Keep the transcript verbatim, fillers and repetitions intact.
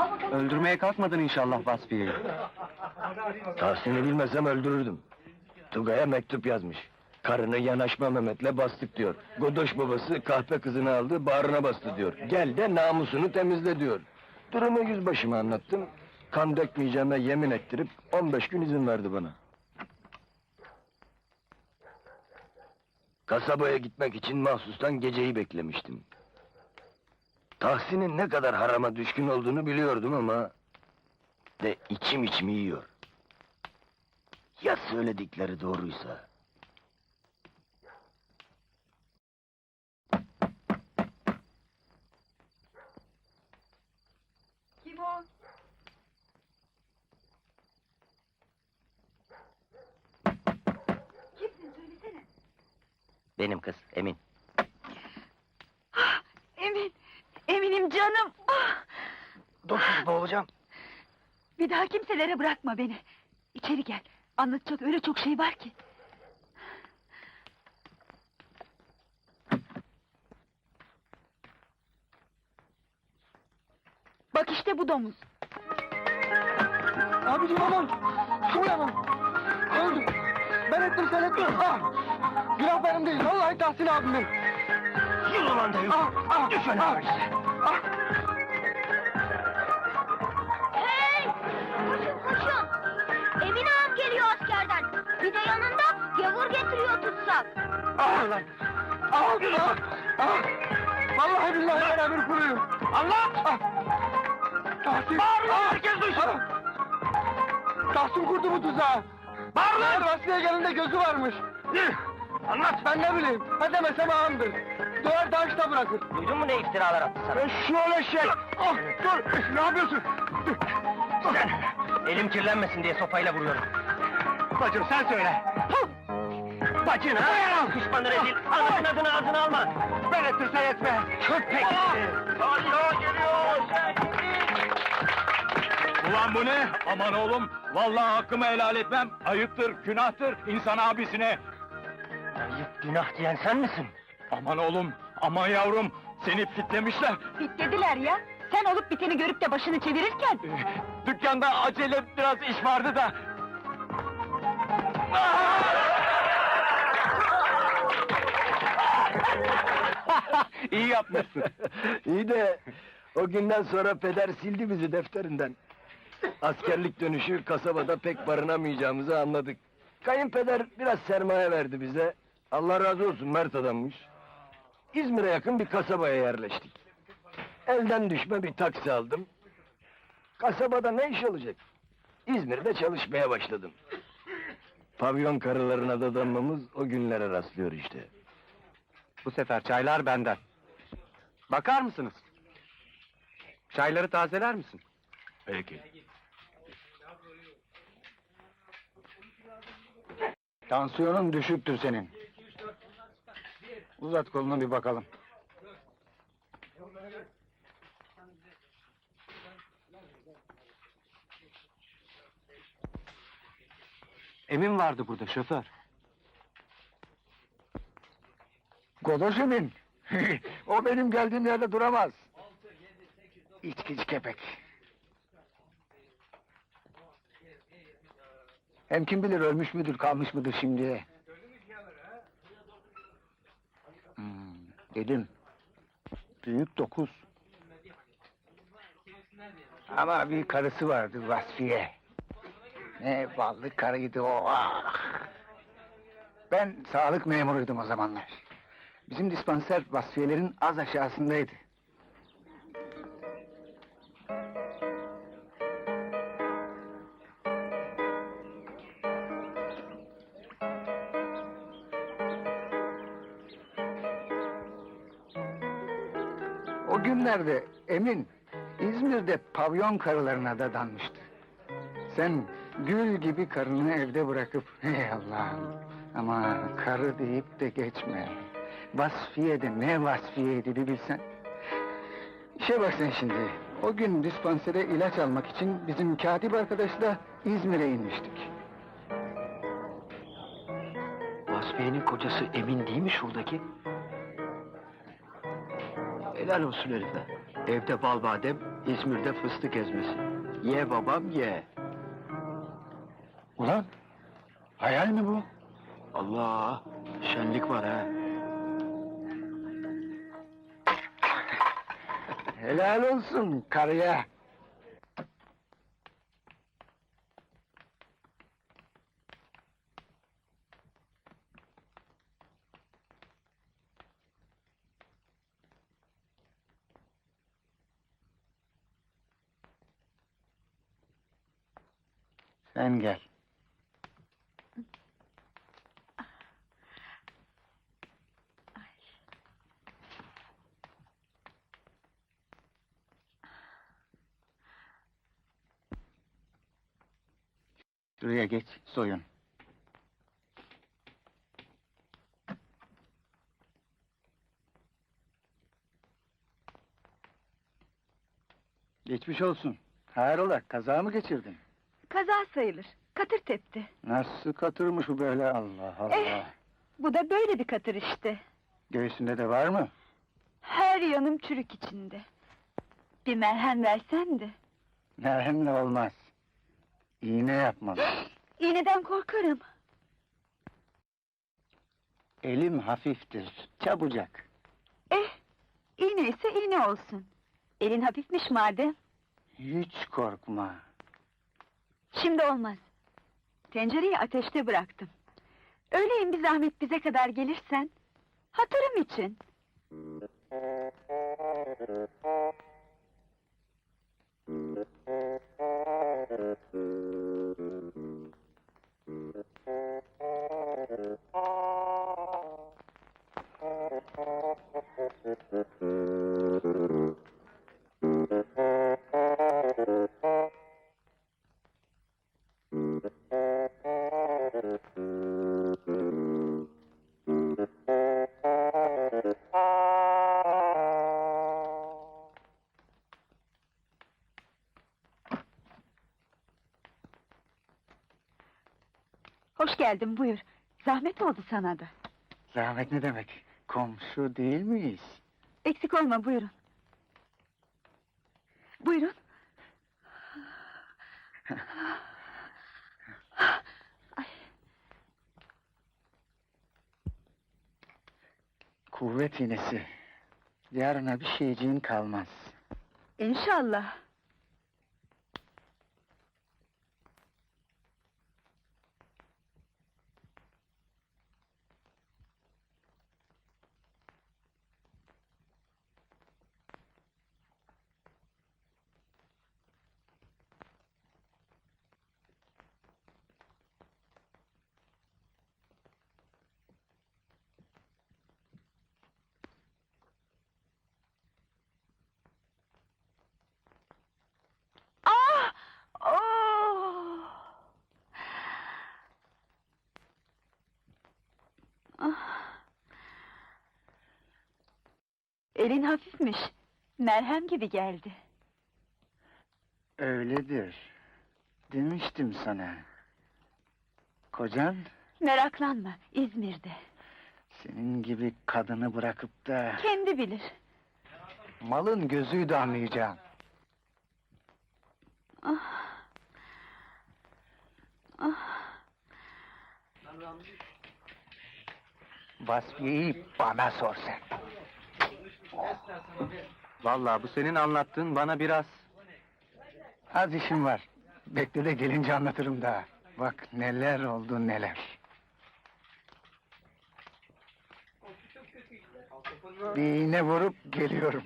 Öldürmeye kalkmadın inşallah Vasfiye'yi. Tahsin'i bilmesem öldürürdüm. Tugay'a mektup yazmış. Karını yanaşma Mehmet'le bastık diyor. Godoş babası kahpe kızını aldı, bağrına bastı diyor. Gel de namusunu temizle diyor. Durumu yüzbaşıma anlattım. Kan dökmeyeceğime yemin ettirip on beş gün izin verdi bana. Kasabaya gitmek için mahsustan geceyi beklemiştim. Tahsin'in ne kadar harama düşkün olduğunu biliyordum ama... ...de içim içimi yiyor. Ya söyledikleri doğruysa? Kim o? Kimsin söylesene. Benim kız, Emin. Ah, Emin, Eminim canım. Ah! Dur kız, boğulacağım. Bir daha kimselere bırakma beni. İçeri gel. Anlatacak öyle çok şey var ki. Bak işte bu domuz. Abicim aman! Şu uyanın! Öldüm! Ben ettim sen ettin! Ah! Günah benim değil, vallahi Tahsin abimin! Yürü ulan da yürü! Ah! Ah! Düş öyle Ah! öyleyse! Ah! Hey! Koşun koşun! Emin ağam geliyor askerden. Bir de yanında gavur getiriyor tutsak. Ah lan! Ah! Ah! Ah! Vallahi billahi ben emir kuluyum! Allah! Ah! Tahsin! Bağırın, Ah! herkes duysun! Ah! Tahsin kurdu bu tuzağı! Bağır lan! Vasfiye gelinde gözü varmış! Anlat! Ben ne bileyim, ha demesem ağamdır! Döver taşta bırakır! Duydun mu ne iftiralar attı sana? Şöyle şey! Ah! Dur! Ne yapıyorsun? Sen! Elim kirlenmesin diye sopayla vuruyorum. Bacım sen söyle! Bacın ha! Düşmanı rezil! Anasının adını ağzına alma! Ben ettirsen etme! Köpek! Allah geliyor! Ulan bu ne? Aman oğlum, vallahi hakkımı helal etmem. Ayıptır, günahtır insan abisine. Ayıp günah diyen sen misin? Aman oğlum, aman yavrum, seni fitlemişler. Bitlediler ya. Sen olup biteni görüp de başını çevirirken... Dükkanda acele biraz iş vardı da. İyi yapmışsın. İyi de o günden sonra peder sildi bizi defterinden. Askerlik dönüşü kasabada pek barınamayacağımızı anladık. Kayınpeder biraz sermaye verdi bize. Allah razı olsun, mert adammış. İzmir'e yakın bir kasabaya yerleştik. Elden düşme bir taksi aldım. Kasabada ne iş olacak? İzmir'de çalışmaya başladım. Pavyon karılarına dadanmamız o günlere rastlıyor işte. Bu sefer çaylar benden. Bakar mısınız? Çayları tazeler misin? Peki. Tansiyonun düşüktür senin. Uzat kolunu bir bakalım. Emin vardı burada, şoför. Godoş Emin. O benim geldiğim yerde duramaz. İçkici kepek. Hem kim bilir ölmüş müdür, kalmış mıdır şimdiye? Hmm, dedim. Büyük dokuz. Ama bir karısı vardı Vasfiye. Ne ballı karıydı o. Ah! Ben sağlık memuruydum o zamanlar. Bizim dispanser Vasfiyelerin az aşağısındaydı. O günlerde Emin İzmir'de pavyon karılarına dadanmıştı. Sen gül gibi karını evde bırakıp hey Allah'ım ama karı deyip de geçme. Vasfiye de ne Vasfiyeydi bir bilsen. İşe bak sen şimdi. O gün dispansere ilaç almak için bizim katip arkadaşla İzmir'e inmiştik. Vasfiye'nin kocası Emin değil mi şuradaki? Helal olsun herife. Evde bal badem, İzmir'de fıstık ezmesi. Ye babam ye. Ulan, hayal mi bu? Allah, şenlik var ha. Helal olsun karıya. Sen gel. Şuraya geç, soyun. Geçmiş olsun. Hayrola, kaza mı geçirdin? Kaza sayılır. Katır tepti. Nasıl katırmış bu böyle, Allah Allah! Eh! Bu da böyle bir katır işte. Göğsünde de var mı? Her yanım çürük içinde. Bir merhem versen de. Merhemle olmaz. İğne yapmalı. İğneden korkarım. Elim hafiftir, çabucak. Eh! İğne ise iğne olsun. Elin hafifmiş madem. Hiç korkma. Şimdi olmaz. Tencereyi ateşte bıraktım. Öğleyin bir zahmet bize kadar gelirsen... hatırım için. Hoş geldin, buyur. Zahmet oldu sana da. Zahmet ne demek? Komşu değil miyiz? Eksik olma, buyurun. Buyurun. Ay, Kuvvet iğnesi. Yarına bir şeyciğin kalmaz. İnşallah. Ah! Oh! Ah! Elin hafifmiş. Merhem gibi geldi. Öyledir. Demiştim sana. Kocan, Meraklanma, İzmir'de. senin gibi kadını bırakıp da... Kendi bilir. malın gözüydü anlayacağım. Ah! Ah! Vasfiye'yi bana sor sen. Vallahi bu senin anlattığın bana biraz... Az işim var. Bekle de gelince anlatırım daha. Bak neler oldu neler. Bir iğne vurup geliyorum.